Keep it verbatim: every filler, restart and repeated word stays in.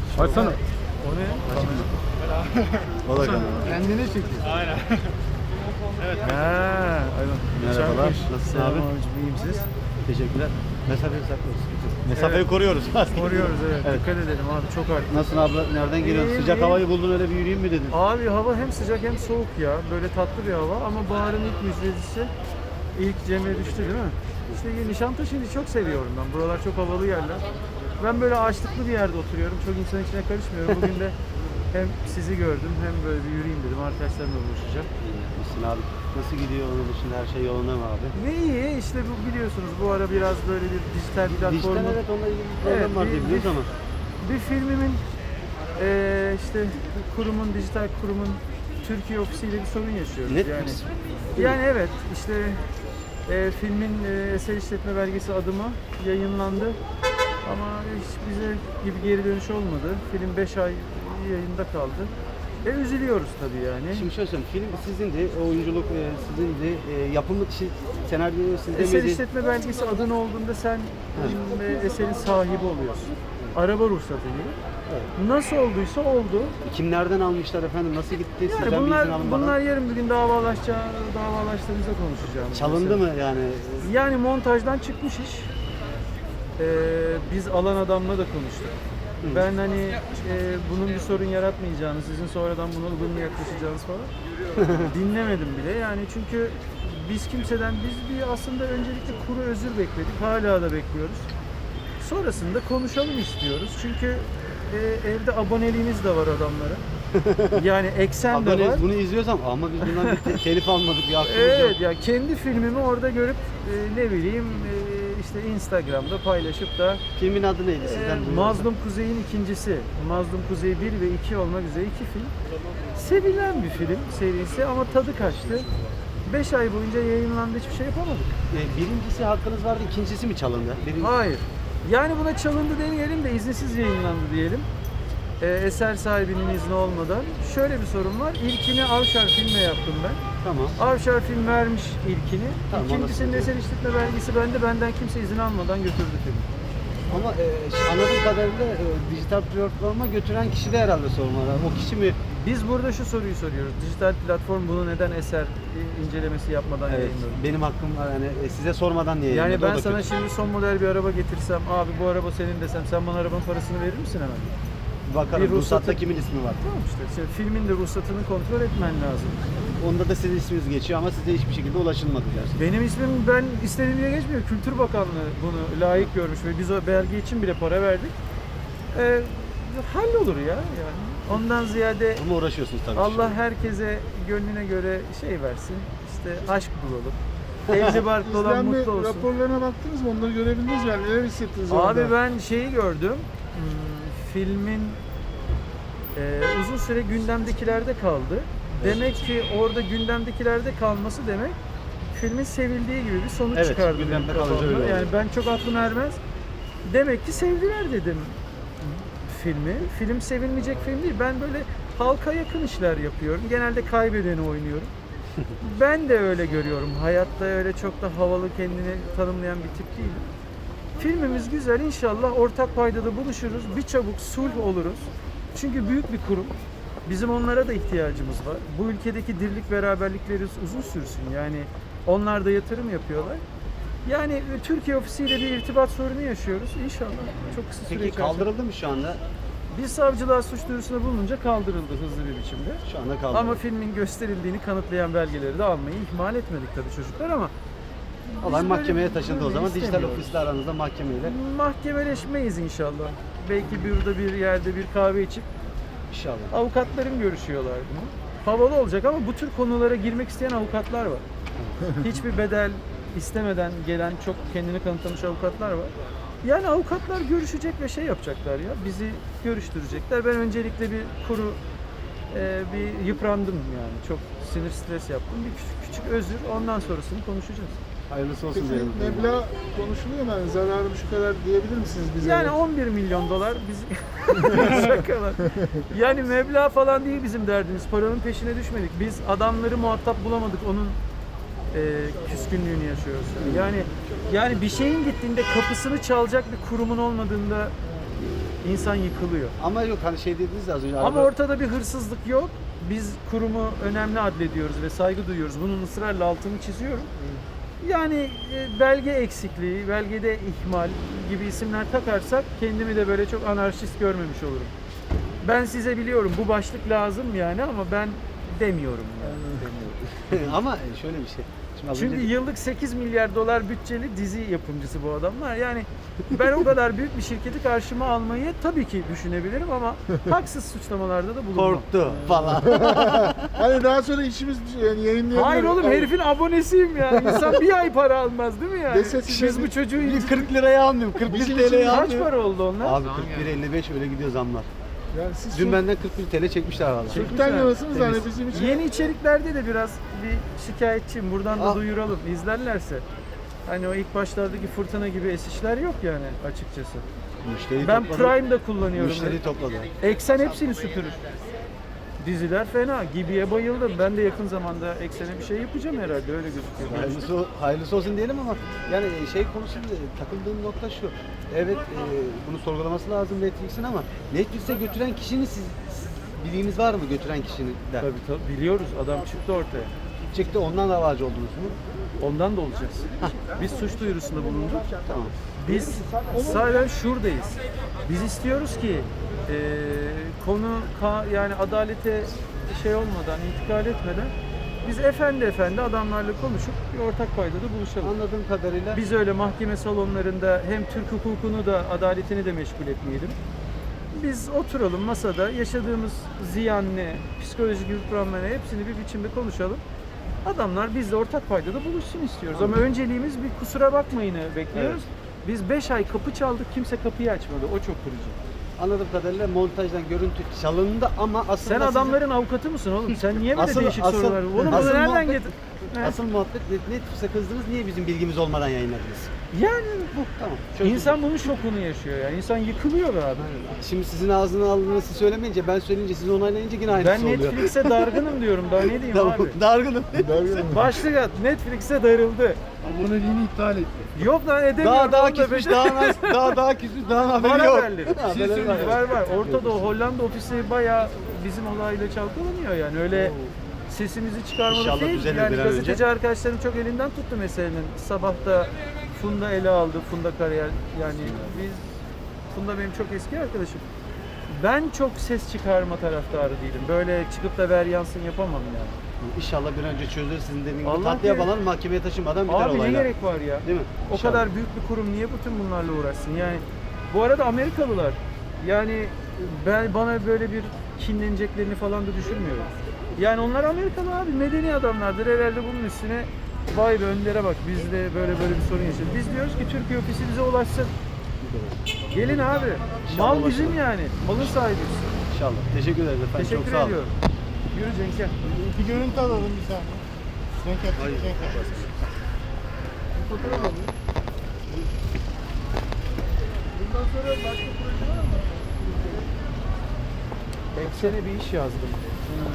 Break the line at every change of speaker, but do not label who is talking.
Açsana.
O ne?
O da kamera.
Kendine çekiyor.
Aynen. Evet.
Ha, aynen.
Merhabalar,
Çarpmış.
nasılsın
Selam
abi?
abicim, iyiyim siz?
Teşekkürler. Mesafeyi saklıyoruz. Mesafeyi
Evet.
koruyoruz.
Koruyoruz evet.
Evet.
Dikkat edelim abi, çok artık.
Nasılsın abla? Nereden geliyorsun?
İyiyim,
Sıcak
iyiyim.
havayı buldun öyle bir yürüyeyim mi dedin?
Abi hava hem sıcak hem soğuk ya. Böyle tatlı bir hava ama baharın ilk müjdecisi. İlk Cem'e düştü değil mi? İşte Nişantaşı'nı çok seviyorum ben. Buralar çok havalı yerler. Ben böyle ağaçlıklı bir yerde oturuyorum. Çok insan içine karışmıyorum. Bugün de hem sizi gördüm hem böyle bir yürüyeyim dedim. Arkadaşlarımla buluşacağım.
Müslüm abi. Nasıl gidiyor onun dışında her şey yolunda mı abi?
Ne iyi işte bu biliyorsunuz bu ara biraz böyle bir dijital
Dijital
platformun
evet onunla ilgili bir problem
Evet,
var
bir-
diye biliyoruz
bir-
ama.
bir filmimin eee, işte bu kurumun, dijital kurumun Türkiye ofisiyle bir sorun yaşıyoruz.
Netflix.
Yani, yani evet işte eee, filmin eee, eser işletme belgesi adımı yayınlandı ama hiç bize gibi geri dönüş olmadı. Film beş ay yayında kaldı. E üzülüyoruz tabii yani.
Şimdi şöyle söyleyeyim, film sizindi, oyunculuk e, sizindi, e, yapımı, şey, senaryo sizde
Eser
miydi?
işletme belgesi adın olduğunda sen e, eserin sahibi oluyorsun. Araba ruhsatı gibi. Nasıl olduysa oldu.
Kimlerden almışlar efendim, nasıl gitti,
Yani
sizden bir
bunlar
izin alınmadan?
bunlar yarın bir gün davalaşacağı davalaştığımızda konuşacağım.
Çalındı mı yani?
Yani montajdan çıkmış iş. Ee, biz alan adamla da konuştuk. Ben hani e, bunun bir sorun yaratmayacağını, sizin sonradan buna ılımlı yaklaşacağınız falan dinlemedim bile. Yani çünkü biz kimseden, biz bir aslında öncelikle kuru özür bekledik, hala da bekliyoruz. Sonrasında konuşalım istiyoruz. Çünkü e, evde aboneliğimiz de var adamlara. Yani eksen de
Abone,
var.
bunu izliyorsam ama biz bundan bir te- telif almadık, bir hakkımız
Evet
yok.
ya kendi filmimi orada görüp e, ne bileyim e, işte Instagram'da paylaşıp da
Filmin adı neydi
e,
sizden? duyuyorum.
Mazlum Kuzey'in ikincisi, Mazlum Kuzey bir ve iki olmak üzere iki film. Sevilen bir film serisi ama tadı kaçtı. beş ay boyunca yayınlandı, hiçbir şey yapamadık.
E, birincisi hakkınız vardı, ikincisi mi çalındı? Birinci...
Hayır. Yani buna çalındı demeyelim de izinsiz yayınlandı diyelim. E, eser sahibinin izni olmadan. Şöyle bir sorun var. İlkini Avşar filme yaptım ben.
Tamam.
Avşar film vermiş ilkini.
Tamam,
İkincisinin
anlasın.
eser işletme belgesi bende. Benden kimse izin almadan götürdü filmi.
Ama e, ş- anladığım kadarıyla e, dijital platforma götüren kişi de herhalde sorun var. O kişi mi?
Biz burada şu soruyu soruyoruz. Dijital platform bunu neden eser e, incelemesi yapmadan
Evet,
yayınladı?
benim hakkım var yani e, size sormadan niye
Yani
yayınladı? O
ben
da
sana
kötü.
şimdi son model bir araba getirsem, abi bu araba senin desem, sen bana arabanın parasını verir misin hemen?
Bakarım
bir
ruhsatta
ruhsatı-
kimin ismi var.
Tamam işte, işte filmin de ruhsatını kontrol etmen lazım.
Onda da sizin isminiz geçiyor ama size hiçbir şekilde ulaşılmadı dersin.
Benim ismim ben istediğim diye geçmiyor. Kültür Bakanlığı bunu layık görmüş ve biz o belge için bile para verdik. Ee, hallolur ya yani. Ondan ziyade
Ama uğraşıyorsunuz tabii.
Allah herkese gönlüne göre şey versin. İşte aşk bulalım. Evli barklı olan
İzlenme
mutlu olsun.
raporlarına baktınız mı? Onları görebildiniz mi? Yani neler hissettiniz orada?
Abi ben şeyi gördüm. Hmm, filmin e, uzun süre gündemdekilerde kaldı. Demek ki orada gündemdekilerde kalması demek filmin sevildiği gibi bir sonuç
Evet,
çıkardı.
gündemde
benim
kalıcı
kafamda.
öyle oluyor.
Yani ben çok aklım ermez. Demek ki sevdiler dedim filmi. Film sevilmeyecek film değil. Ben böyle halka yakın işler yapıyorum. Genelde kaybedeni oynuyorum. Ben de öyle görüyorum. Hayatta öyle çok da havalı, kendini tanımlayan bir tip değilim. Filmimiz güzel. İnşallah ortak paydada buluşuruz. Bir çabuk sulh oluruz. Çünkü büyük bir kurum. Bizim onlara da ihtiyacımız var. Bu ülkedeki dirlik beraberlikleri uzun sürsün. Yani onlar da yatırım yapıyorlar. Yani Türkiye ofisiyle bir irtibat sorunu yaşıyoruz. İnşallah çok kısa süre
Peki
içerisinde.
kaldırıldı mı şu anda?
Biz savcılığa suç duyurusunda bulununca kaldırıldı hızlı bir biçimde.
Şu anda kaldırıldı.
Ama filmin gösterildiğini kanıtlayan belgeleri de almayı ihmal etmedik tabii çocuklar ama biz
Olay
böyle-
mahkemeye taşındı o
böyle
zaman. Dijital
istemiyoruz.
ofisle aranızda mahkemeyle.
Mahkemeleşmeyiz inşallah. Belki burada bir yerde bir kahve içip
İnşallah.
avukatlarım görüşüyorlar bunu. Havalı olacak ama bu tür konulara girmek isteyen avukatlar var. Hiçbir bedel istemeden gelen çok kendini kanıtlamış avukatlar var. Yani avukatlar görüşecek ve şey yapacaklar ya, bizi görüştürecekler. Ben öncelikle bir kuru e, bir yıprandım yani. Çok sinir stres yaptım. Bir küçük, küçük özür, ondan sonrasını konuşacağız.
Hayırlısı olsun
Peki
diyelim.
meblağ konuşuluyor mu? Yani zararım şu kadar diyebilir misiniz bize?
Yani on bir milyon dolar biz şakalar. Yani meblağ falan değil bizim derdimiz. Paranın peşine düşmedik. Biz adamları muhatap bulamadık. Onun e, küskünlüğünü yaşıyoruz. Yani yani bir şeyin gittiğinde kapısını çalacak bir kurumun olmadığında İnsan yıkılıyor.
Ama yok hani şey dediniz ya az önce.
Ama
araba-
ortada bir hırsızlık yok. Biz kurumu önemli adlediyoruz ve saygı duyuyoruz. Bunun ısrarla altını çiziyorum. Yani e, belge eksikliği, belgede ihmal gibi isimler takarsak kendimi de böyle çok anarşist görmemiş olurum. Ben size biliyorum bu başlık lazım yani ama ben demiyorum yani.
Ama şöyle bir şey. Şimdi az
Çünkü
önce-
yıllık sekiz milyar dolar bütçeli dizi yapımcısı bu adamlar. Yani ben o kadar büyük bir şirketi karşıma almayı tabii ki düşünebilirim ama haksız suçlamalarda da bulunmam.
korktu falan.
Hani daha sonra işimiz yani yayınlayabilir.
Hayır oğlum
Yani
herifin abonesiyim ya. İnsan bir ay para almaz değil mi yani?
Dese size
Biz
bir-
bu çocuğu
Bir kırk liraya almıyorum. kırk bir
Bizim
TL'ye
için
kaç
almıyorum.
para oldu onlar?
Abi kırk bir elli beş öyle gidiyor zamlar.
Yani siz
Dün
Dün
benden kırk bir TL çekmişler valla.
Çek-
Türk'ten yanasınız hani
Temiz.
bizim için.
Yeni içeriklerde de biraz bir şikayetçiyim. Buradan da
Ah.
duyuralım. İzlerlerse. Hani o ilk başlardaki fırtına gibi esişler yok yani açıkçası.
Müşteri
Ben
topladı.
Prime'da kullanıyorum.
Müşteri topladı.
Eksen hepsini süpürür. Diziler fena. Gibi'ye bayıldım. Ben de yakın zamanda Eksen'e bir şey yapacağım herhalde. Öyle gözüküyor.
Hayırlısı, hayırlısı olsun diyelim ama yani şey konusunda takıldığım nokta şu. Evet e, bunu sorgulaması lazım Netflix'in ama Netflix'e götüren kişinin siz, siz bilginiz var mı götüren kişinin? de?
Tabii tabii. Biliyoruz. Adam çıktı ortaya.
Çıktı ondan davacı oldunuz mu?
Ondan da olacağız. Biz suç duyurusunda bulunduk.
Tamam.
Biz sadece şuradayız. Biz istiyoruz ki eee, konu ka- yani adalete şey olmadan, intikal etmeden biz efendi efendi adamlarla konuşup bir ortak paydada buluşalım.
Anladığım kadarıyla
Biz öyle mahkeme salonlarında hem Türk hukukunu da adaletini de meşgul etmeyelim. Biz oturalım masada yaşadığımız ziyan ne, psikolojik yıpranma ne hepsini bir biçimde konuşalım. Adamlar bizle ortak paydada buluşsun istiyoruz. Ama önceliğimiz bir kusura bakmayını bekliyoruz. Biz beş ay kapı çaldık, kimse kapıyı açmadı. O çok kırıcı.
anladığım kadarıyla montajdan görüntü çalındı ama aslında
Sen
sizin-
adamların avukatı mısın oğlum? Sen niye böyle
Asıl-
değişik
asıl-
sorular? Oğlum bunu
asıl
nereden
muhabbet-
getirdin? He.
asıl muhabbet Netflix'e kızdınız niye bizim bilgimiz olmadan yayınladınız?
Yani
Bu tamam. çözdüm.
insan bunun şokunu yaşıyor ya. İnsan yıkılıyor be abi.
Şimdi sizin ağzını aldığınız siz söylemeyince ben söyleyince siz onaylayınca yine aynısı
Ben
oluyor.
Netflix'e dargınım diyorum. Daha ne diyeyim
Tamam,
abi?
dargınım.
Başlık at. Netflix'e darıldı.
Aboneliğini iptal etti.
Yok lan edemiyorum.
Daha daha
onu da
küsmüş,
be-
daha nas- daha daha küsmüş, daha
Var
haberi yok.
haberleri.
Haberleri var.
Var var. Orta Doğu Hollanda ofisi bayağı bizim olayla çalkalanıyor yani. Öyle sesimizi çıkarmadık
İnşallah
değil.
düzelir
Yani
bir an
gazeteci
önce.
arkadaşlarım çok elinden tuttu meselenin. Sabah da Funda ele aldı. Funda kariyer. Yani biz Funda benim çok eski arkadaşım. Ben çok ses çıkarma taraftarı değilim. Böyle çıkıp da ver yansın yapamam yani.
İnşallah bir an önce çözülür sizin dediğiniz gibi
Allah
tatlıya
bilir.
bağlanır mahkemeye taşımadan biter
Abi ne
olaylar.
gerek var ya?
Değil mi?
O
İnşallah.
kadar büyük bir kurum niye bütün bunlarla uğraşsın? Yani bu arada Amerikalılar yani ben bana böyle bir kinleneceklerini falan da düşünmüyorum. Yani onlar Amerikalı abi medeni adamlardır. Herhalde bunun üstüne vay be önlere bak biz de böyle böyle bir sorun yaşadık. Biz diyoruz ki Türkiye ofisi bize ulaşsın. Gelin abi.
İnşallah
Mal bizim
ulaşır.
yani. Malın sahibiyiz.
İnşallah. Teşekkür ederiz efendim.
Teşekkür
Çok sağ olun.
ediyorum. Yürü Cenk'e.
Bir görüntü alalım bir saniye. Renk yap, renk yap.
Bundan sonra başka proje var mı? Eksene bir iş yazdım.